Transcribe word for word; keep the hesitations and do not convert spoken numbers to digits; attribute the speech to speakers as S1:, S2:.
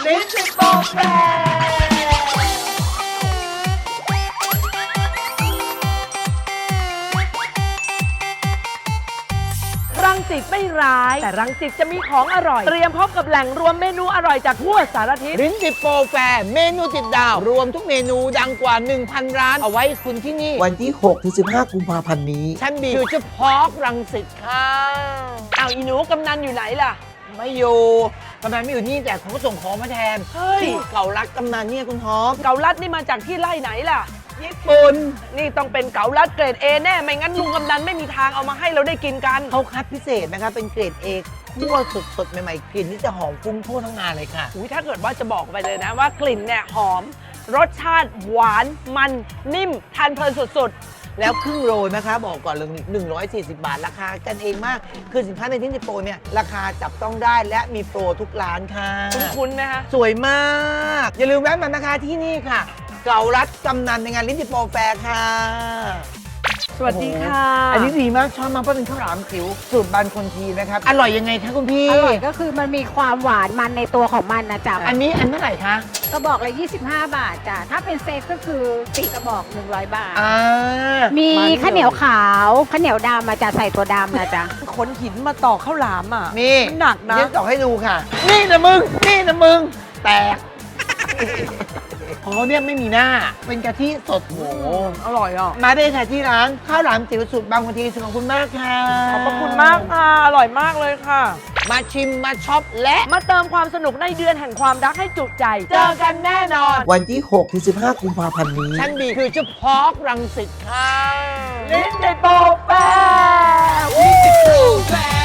S1: ลิ้นติดโปรแฟร์รังสิตไม่ร้ายแต่รังสิตจะมีของอร่อยเตรียมพบกับแหล่งรวมเมนูอร่อยจากทั่วสารทิศ
S2: ลิ้นติดโปรแฟร์เมนูติดดาวรวมทุกเมนูดังกว่า หนึ่งพัน ร้านเอาไว้คุณที่นี่
S3: วันที่ หกถึงสิบห้า กุมภาพันธ์นี้
S2: ชั้นบีฟิวเจอร์พาร์ครังสิตค่ะ
S1: อ้าวอีหนูกำนันอยู่ไหนล่ะ
S2: ไม่อยู่กำนันไม่อยู่นี่แต่เขาก็ส่งของมาแทนเฮ้ยเก่ารักกำนันเนี่ยคุณฮอป
S1: เกาลัดนี่มาจากที่ไร่ไหนล่ะ
S2: ญี่ปุ่น
S1: นี่ต้องเป็นเกาลัดเกรด A แน่ไม่งั้นลุงกำนันไม่มีทางเอามาให้เราได้กินกัน
S2: เขาคัดพิเศษนะคะเป็นเกรด A คั่วสดๆใหม่ๆกลิ่นนี่จะหอมฟุ้งทั่วทั้งงานเลยค่ะ
S1: อุ้ยถ้าเกิดว่าจะบอกไปเลยนะว่ากลิ่นเนี่ยหอมรสชาติหวานมันนิ่มทานเพลินสุด
S2: ๆแล้วครึ่งโลนะคะบอกก่อนเลยหนึ่งร้อยสี่สิบบาทราคากันเองมากคือสินค้าในที่นิโปรเนี่ยราคาจับต้องได้และมีโปรทุกร้านค่ะ
S1: คุ้นๆไหมคะ
S2: สวยมากอย่าลืมแวะมานะคะที่นี่ค่ะเก่ารัดกำนันในงานลิ้นติดโปรแฟร์ค่ะ
S1: สวัสดีค่ะ
S2: อันนี้ดีมากชอบมากเพราะเป็นข้าวหลามจิ๋วสูตรบานคนทีนะครับอร่อยยังไงคะคุณพี่
S4: อร่อยก็คือมันมีความหวานมันในตัวของมันนะจ๊ะ
S2: อันนี้อันเท่าไหร่คะ
S4: กระบอกละยี่สิบห้าบาทจ้ะถ้าเป็นเซตก็คือสี่กระบอกหนึ่งร้อยบาท
S2: อ่า
S4: มีข้าวเหนียวขาวข้าวเหนียวดำมาจะใส่ตัวดำนะจ๊ะ
S1: ขนหินมาต่อข้าวหลามอ่ะ
S2: นี่
S1: มันหนักนะ
S2: เดี๋ยวต่อให้ดูค่ะนี่นะมึงนี่นะมึงแตกเพราะเนี่ยไม่มีหน้าเป็นกะทิสดโห
S1: อร่อยอ่ะ
S2: มาได้ค่ะที่ร้านข้าวหลามจิ๋วสูตรบางคนทีขอบคุณมากค่ะ
S1: ขอบคุณมากค่ะอร่อยมากเลยค่ะ
S2: มาชิมมาช็อปและ
S1: มาเติมความสนุกในเดือนแห่งความรักให้จุใจเจอกันแน่นอน
S3: วันที่ หกถึงสิบห้า กุมภาพันธ์นี้
S2: ชั้นบีคือเฉพาะรังสิตค่ะ
S1: ลิ้นติดโปรแฟร์
S2: ลิ้นติดโปรแฟร์